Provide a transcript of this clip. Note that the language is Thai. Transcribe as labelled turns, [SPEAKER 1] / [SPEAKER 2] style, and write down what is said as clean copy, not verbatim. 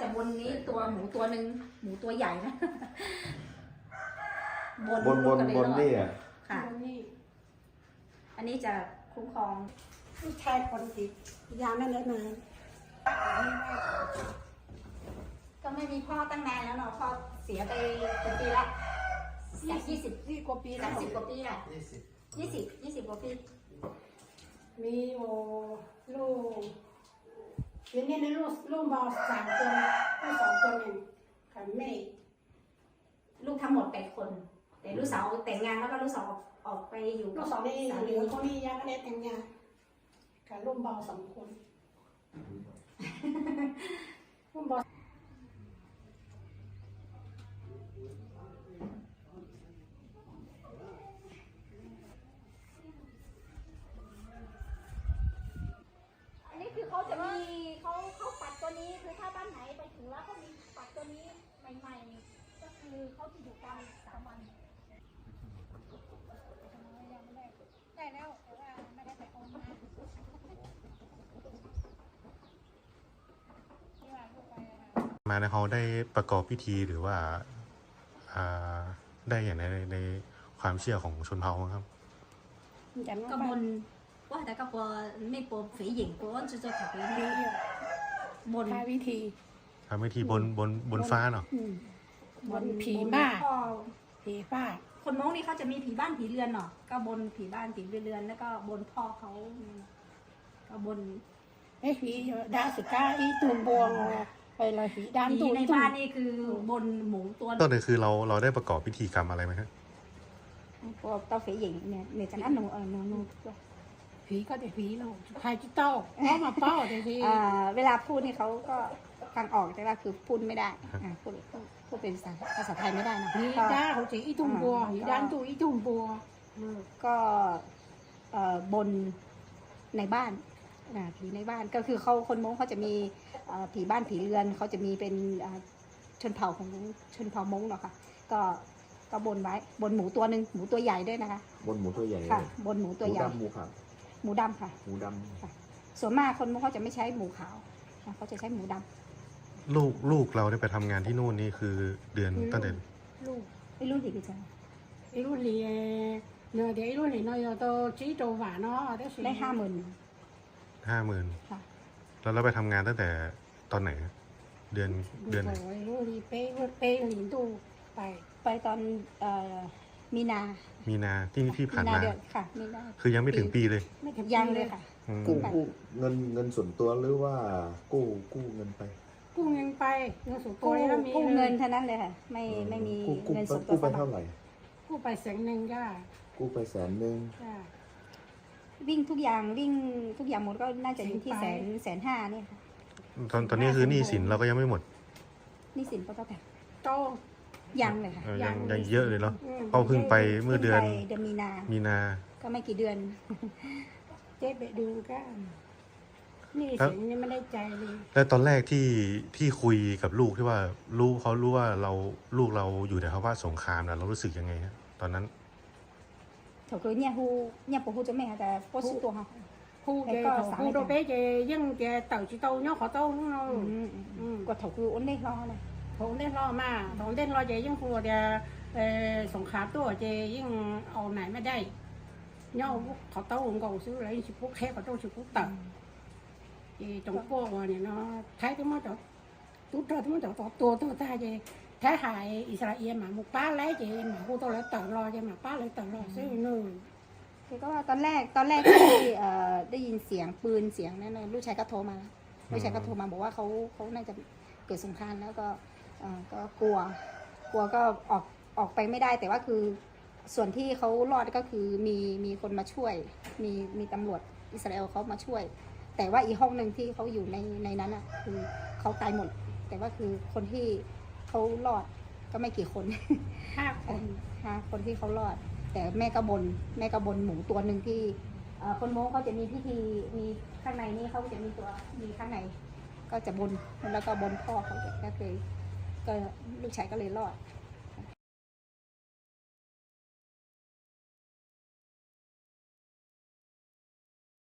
[SPEAKER 1] จะบนนี้ตัวหมูตัวหนึ่งหมูตัวใหญ่นะ
[SPEAKER 2] บนนี่อ่ะ
[SPEAKER 1] ค่ะอันนี้จะคุ้มครอง
[SPEAKER 3] ลูกชายคนติดยาไม่เลิกนาน
[SPEAKER 1] ก็ไม่มีพ่อตั้งนานแล้วเนาะพ่อเสียไปเป็นปีละ20
[SPEAKER 3] กว่าปีแล้ว
[SPEAKER 1] 30 กว่าปีแหละ20 กว่าปี
[SPEAKER 3] มีโอลูกเดี๋ยวนี้ลูกบอล3 คนลูก2 คนเองค่ะแม่
[SPEAKER 1] ลูกทั้งหมด8 คนแต่ลูกสาวแต่งงานแล้วก็ลูกสาวออกไปอยู่
[SPEAKER 3] ลูก2นี่เหลือคนนี้ยังไม่ได้แต่งงานค่ะลูกบอล2 คนลูกบอล
[SPEAKER 1] เขาจะมีเขาปัดตัวนี้คือถ้าบ้านไหนไปถึงแล้วเขามีปัดตัวนี้ใหม่ๆก็คือเขาจะอยู่กัน3 วัน
[SPEAKER 3] ได้แล้วแต่ว่าไม่ได้ไปโอน
[SPEAKER 4] มาในเขาได้ประกอบพิธีหรือว่าได้อย่างในความเชื่อของชนเผ่าครับ
[SPEAKER 1] ก็บนว่าแต่ก็พอไม่ปนฝีหญิงก็จะถักวิธีบน
[SPEAKER 3] วิธี
[SPEAKER 4] ทำพิธีบนฟ้าเนาะ
[SPEAKER 3] บนผีบ้าผีบ้า
[SPEAKER 1] คนม้งนี่เขาจะมีผีบ้านผีเรือนเนาะก็บนผีบ้านผีเรือนแล้วก็บนพ่อเขาก็บน
[SPEAKER 3] ผีดาสุก้าอีตุนบวงไปเลยผีดำ
[SPEAKER 1] ตูในบ้านนี่คือบนหมูตัว
[SPEAKER 4] ต้นเลยคือเราได้ประกอบพิธีกรรมอะไรไหมครับ
[SPEAKER 1] พวกเต้าฝีหญิงเนี่ยจะนั่นหนู
[SPEAKER 3] ผีก็แต่ผีเราใครจะเต้าเพราะมาเป้าแต่ที
[SPEAKER 1] เวลาพูดนี่เขาก็ฟังออกแต่ว่าคือพูดไม่ได้พูดเป็นภาษาไทยไม่ได้นะ
[SPEAKER 3] ผีด้าเขาจะอีตุ่มบัวผีด้านตัวอีตุ่มบัว
[SPEAKER 1] ก็บนในบ้านผีในบ้านก็คือเขาคนม้งเขาจะมีผีบ้านผีเรือนเขาจะมีเป็นชนเผ่าของชนเผ่าม้งเนาะค่ะก็บนไว้บนหมูตัวหนึ่งหมูตัวใหญ่ด้วยนะคะ
[SPEAKER 2] บนหมูตัวใหญ่
[SPEAKER 1] ค่ะบนหมูตัวใหญ่
[SPEAKER 2] หมูขาว
[SPEAKER 1] หมูดำค่ะ
[SPEAKER 2] หมูดำ
[SPEAKER 1] ค่ะส่วนมากคนเขาจะไม่ใช้หมูขาวเขาจะใช้หมูด
[SPEAKER 4] ำลูกเราได้ไปทำงานที่นู่นนี่คือเดือนตั้งแต่
[SPEAKER 3] ลูก
[SPEAKER 1] ไอ้รุ่นที่กี่จัง
[SPEAKER 3] ไอ้รุ่นนี้เนื้อเดี๋ยวไอ้รุ่นนี้เนาะตัวชี้ตัวหวานเนาะ
[SPEAKER 1] ได้
[SPEAKER 4] 50,000ค่ะแล้วเราไปทำงานตั้งแต่ตอนไหนเดือนไหน
[SPEAKER 3] ไอ้รุ่นนี้เป้หลินตู
[SPEAKER 1] ไปตอนมีนา
[SPEAKER 4] ที่ผ่านมา
[SPEAKER 1] ค่ะมีนา
[SPEAKER 4] คือยังไม่ถึงปีเลย
[SPEAKER 1] ยังเลยค่ะ
[SPEAKER 2] กู้เงินส่วนตัวหรือว่ากู้เงินไป
[SPEAKER 3] กู้เงินไปเงินส่วนตัวแล้วมี
[SPEAKER 1] กู้เงินเท่านั้นเลยค่ะไม่มีเงินส่วนตัว
[SPEAKER 2] กู้ไปเท่าไหร่
[SPEAKER 3] กู้ไป100,000จ้า
[SPEAKER 2] กู้ไป100,000
[SPEAKER 3] จ้า
[SPEAKER 1] วิ่งทุกอย่างหมดก็น่าจะอยู่ที่150,000เนี่ยค่ะ
[SPEAKER 4] ตอนนี้คือหนี้สินเราก็ยังไม่หมด
[SPEAKER 1] หนี้สินก็ต้อง
[SPEAKER 3] โต
[SPEAKER 1] ยังเลยค่ะ
[SPEAKER 4] ยังเยอะเลยเนาะเพราะเพิ่งไปเมื่อเดือนมีนา
[SPEAKER 1] ก็ไม่กี่เดือน
[SPEAKER 3] เจ๊ไปดูก็นี่สิยังไม่ได้ใจเลย
[SPEAKER 4] แล้วตอนแรกที่คุยกับลูกที่ว่าเขารู้ว่าลูกเราอยู่ในภาวะสงครามนะเรารู้สึกยังไงฮะตอนนั้น
[SPEAKER 1] เขาคือเนี่ยปู่จะไม่ค่ะแต่พ่อชื่อตัวเขา
[SPEAKER 3] ฮูโดเป้จะยังจะเต่าชิโตเนาะขอโต้เนาะ
[SPEAKER 1] ก็เขาคืออ้นเล่รอเลย
[SPEAKER 3] ผมได้รอมาผมได้รอเจยังกลัวจะสงครามตัวเจยังเอาไหนไม่ได้เนาะเขาโต้ผมก็ซื้ออะไรชิบุกแค่เขาโต้ชิบุกตัดเจจงพวกเนี่ยเนาะใช้ที่มันจะตุ๊ดเธอที่มันจะตัวตาเจใช้หายอิสราเอลมาหมู่ป้าไล่เจมาผู้ตัวแล้วต่อรอเจมาป้าเลยต่อรอซื้อหนึ่ง
[SPEAKER 1] คือก็ว่าตอนแรกที่ได้ยินเสียงปืนเสียงนั่นลูกชายก็โทรมาบอกว่าเขาน่าจะเกิดสงครามแล้วก็กลัวก็ออกไปไม่ได้แต่ว่าคือส่วนที่เขารอดก็คือมีคนมาช่วยมีตำรวจอิสราเอลเขามาช่วยแต่ว่าอีกห้องหนึ่งที่เขาอยู่ในนั้นอ่ะคือเขาตายหมดแต่ว่าคือคนที่เขารอดก็ไม่กี่คน5 คนที่เขารอดแต่แม่ก็บนหมูตัวหนึ่งที่คนโม้เขาจะมีพิธีมีข้างในนี่เขาจะมีข้างในก็จะบนแล้วก็บนพ่อเขาก็เลยก็ลูกชายก็เลยรอด